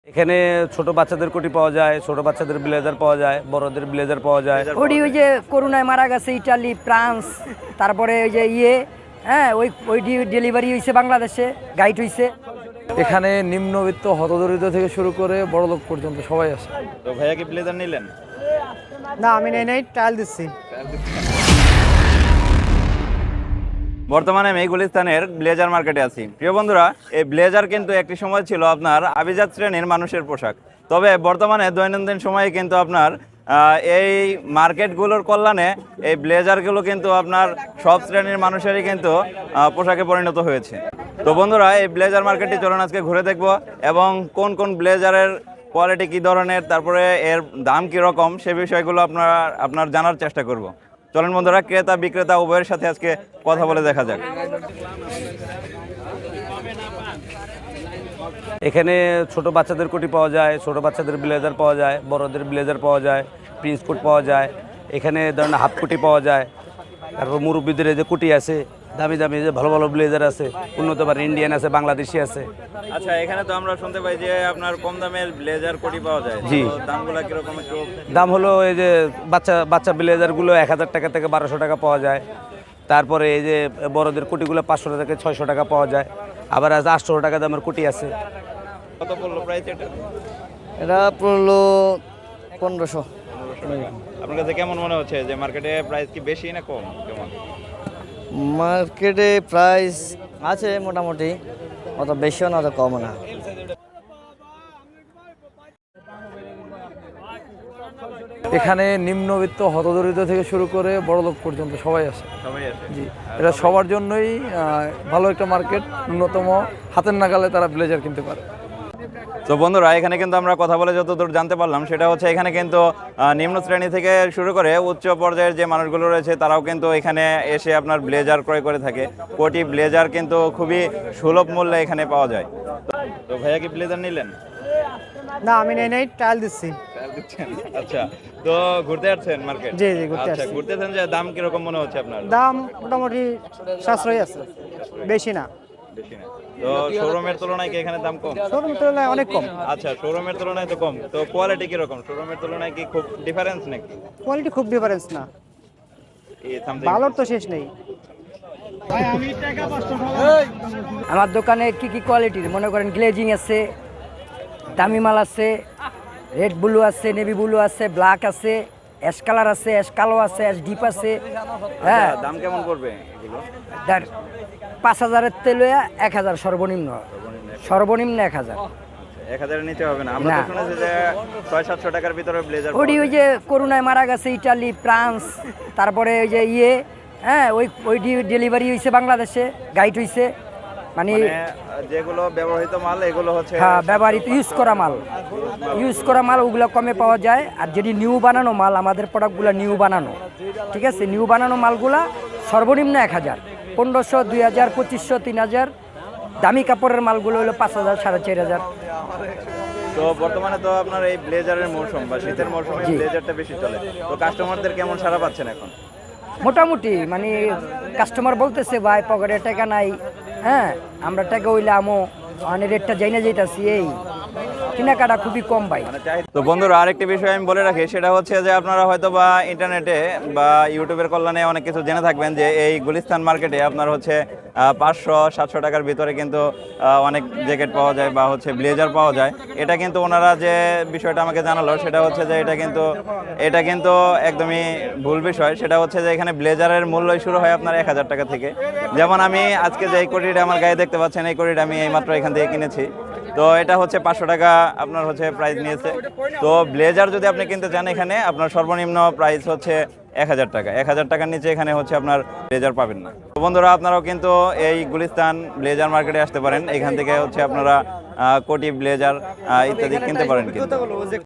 এখানে ছোট বাচ্চাদের কোটি পাওয়া যায়, ছোট বাচ্চাদের ব্লেজার পাওয়া যায়, বড়দের ব্লেজার পাওয়া যায়। ওই যে করোনায় মারা গেছে ইটালি, ফ্রান্স, তারপরে ওই যে ওই ডেলিভারি হয়েছে বাংলাদেশে, গাইড হয়েছে। এখানে নিম্নবিত্ত হতদরিদ্র থেকে শুরু করে বড়লোক পর্যন্ত সবাই আছে। তো ভাইয়া কি ব্লেজার নিলেন? না, আমি নাই ট্রায়াল দিচ্ছি। বর্তমানে আমি গুলিস্তানের ব্লেজার মার্কেটে আছি। প্রিয় বন্ধুরা, এই ব্লেজার কিন্তু একটি সময় ছিল আপনার আভিজাত শ্রেণীর মানুষের পোশাক। তবে বর্তমানে দৈনন্দিন সময়ে কিন্তু আপনার এই মার্কেটগুলোর কল্যাণে এই ব্লেজারগুলো কিন্তু আপনার সব শ্রেণীর মানুষেরই কিন্তু পোশাকে পরিণত হয়েছে। তো বন্ধুরা, এই ব্লেজার মার্কেটটি চলুন আজকে ঘুরে দেখব এবং কোন কোন ব্লেজারের কোয়ালিটি কী ধরনের, তারপরে এর দাম কীরকম, সে বিষয়গুলো আপনার জানার চেষ্টা করব। চলুন বন্ধুরা, ক্রেতা বিক্রেতা উভয়ের সাথে আজকে কথা বলে দেখা যাক। এখানে ছোট বাচ্চাদের কোটি পাওয়া যায়, ছোট বাচ্চাদের ব্লেজার পাওয়া যায়, বড়দের ব্লেজার পাওয়া যায়, প্রিন্স কোট পাওয়া যায়। এখানে ধরেন হাফ কোটি পাওয়া যায়। তারপর মুরব্বীদের যে কোটি আছে, দামি দামি যে ভালো ভালো ব্লেজার আছে, উন্নত মানের ইন্ডিয়ান আছে, বাংলাদেশি আছে। আচ্ছা, এখানে তো আমরা শুনতে পাই যে আপনার কম দামের ব্লেজার কোটি পাওয়া যায়। জি। তো দামগুলো কিরকম একটু? দাম হলো এই যে বাচ্চা ব্লেজারগুলো 1000 টাকা থেকে 1200 টাকা পাওয়া যায়। তারপরে এই যে বড়দের কোটিগুলো 500 থেকে 600 টাকা পাওয়া যায়। আবার 800 টাকা দামের কোটি আছে। কত পড়লো প্রাইস এটা? এটা পড়লো 1500। আপনার কাছে কেমন মনে হচ্ছে যে মার্কেটে প্রাইস কি বেশি না কম? কেমন মার্কেটে প্রাইস আছে মোটামুটি, অত বেশিও না অত কমও না। এখানে নিম্নবিত্ত হতদরিদ্র থেকে শুরু করে বড়লোক পর্যন্ত সবাই আছে। সবাই আছে? জি, এটা সবার জন্যই ভালো একটা মার্কেট। ন্যূনতম হাতের নাগালে তারা ব্লেজার কিনতে পারে। তো বন্ধুরা, এখানে কিন্তু আমরা কথা বলে যতদূর জানতে পারলাম সেটা হচ্ছে এখানে কিন্তু নিম্ন শ্রেণী থেকে শুরু করে উচ্চ পর্যায়ের যে মানুষগুলো রয়েছে তারাও কিন্তু এখানে এসে আপনার ব্লেজার ক্রয় করে থাকে। কোটি ব্লেজার কিন্তু খুবই সুলভ মূল্যে এখানে পাওয়া যায়। তো ভাইয়া কি ব্লেজার নিলেন? না, আমি নাই ট্রায়াল দিচ্ছি। আচ্ছা, তো ঘুরতে যাচ্ছেন মার্কেট? জি, ঘুরতে আচ্ছা, আসছি। ঘুরতেছেন যে দাম কিরকম মনে হচ্ছে আপনার? দাম মোটামুটি সাশ্রয়ী আছে, বেশি না। বেশি না? তো শোরুমের তুলনায় কি এখানে দাম কম? শোরুম তুলনায় অনেক কম। আচ্ছা, শোরুমের তুলনায় তো কম। তো কোয়ালিটি কিরকম? শোরুমের তুলনায় কি খুব ডিফারেন্স নাকি? কোয়ালিটি খুব ডিফারেন্স না, ভালোর তো শেষ নেই। আমার দোকানে কি কি কোয়ালিটির মনে করেন, গ্লেজিং আছে, দামি মাল আছে, রেড ব্লু আছে, নেভি ব্লু আছে, ব্ল্যাক আছে, অ্যাশ কালার আছে, অ্যাশ কালো আছে, অ্যাশ ডিপ আছে। হ্যাঁ, দাম কেমন পড়বে এগুলো? 5000-এর তেলে 1000 সর্বনিম্ন 1000। 1000 নিচে হবে না? আমরা তো শুনেছি যে 600-700 টাকার ভিতরে ব্লেজার। ওই যে করোনায় মারা গেছে ইটালি, ফ্রান্স, তারপরে ওই যে ওই ডেলিভারি হয়েছে বাংলাদেশে, গাইড হয়েছে। মানে যেগুলো ব্যবহৃত মাল এগুলো হচ্ছে হ্যাঁ, ব্যবহৃত ইউজ করা মাল ওগুলো কমে পাওয়া যায়। আর যেটি নিউ বানানো মাল, আমাদের প্রোডাক্টগুলো নিউ বানানো, ঠিক আছে, নিউ বানানো মালগুলা সর্বনিম্ন 1000, 1500, 2000, 2500, 3000। দামি কাপড়ের মালগুলো হলো 5000, 4500। তো বর্তমানে তো আপনার এই ব্লেজারের মৌসুম বা শীতের মৌসুমে ব্লেজারটা বেশি চলে। তো কাস্টমারদের কেমন সাড়া পাচ্ছেন এখন? মোটামুটি মানে কাস্টমার বলতেছে ভাই পকেটে টাকা নাই, হ্যাঁ আমরা টাকা হইলে আমো মানে রেটটা যাই না যেতেছি, এই কেনাকাটা খুবই কম ভাই। তো বন্ধুরা, আরেকটি বিষয় আমি বলে রাখি, সেটা হচ্ছে যে আপনারা হয়তো বা ইন্টারনেটে বা ইউটিউবের কল্যাণে অনেক কিছু জেনে থাকবেন যে এই গুলিস্তান মার্কেটে আপনার হচ্ছে 500-700 টাকার ভিতরে কিন্তু অনেক জ্যাকেট পাওয়া যায় বা হচ্ছে ব্লেজার পাওয়া যায়। এটা কিন্তু ওনারা যে বিষয়টা আমাকে জানালো সেটা হচ্ছে যে এটা কিন্তু একদমই ভুল বিষয়। সেটা হচ্ছে যে এখানে ব্লেজারের মূল্যই শুরু হয় আপনার 1000 টাকা থেকে। যেমন আমি আজকে যে এই কোটিটা আমার গায়ে দেখতে পাচ্ছেন, এই কোটিটা আমি এইমাত্র এখান থেকে কিনেছি। তো এটা হচ্ছে 500 টাকা আপনার হচ্ছে প্রাইস নিয়েছে। তো ব্লেজার যদি আপনি কিনতে চান, এখানে আপনার সর্বনিম্ন প্রাইস হচ্ছে 1000 টাকা। 1000 টাকার নিচে এখানে হচ্ছে আপনার ব্লেজার পাবেন না। তো বন্ধুরা, আপনারাও কিন্তু এই গুলিস্তান ব্লেজার মার্কেটে আসতে পারেন। এখান থেকে হচ্ছে আপনারা কোটি ব্লেজার ইত্যাদি কিনতে পারেন কিন্তু।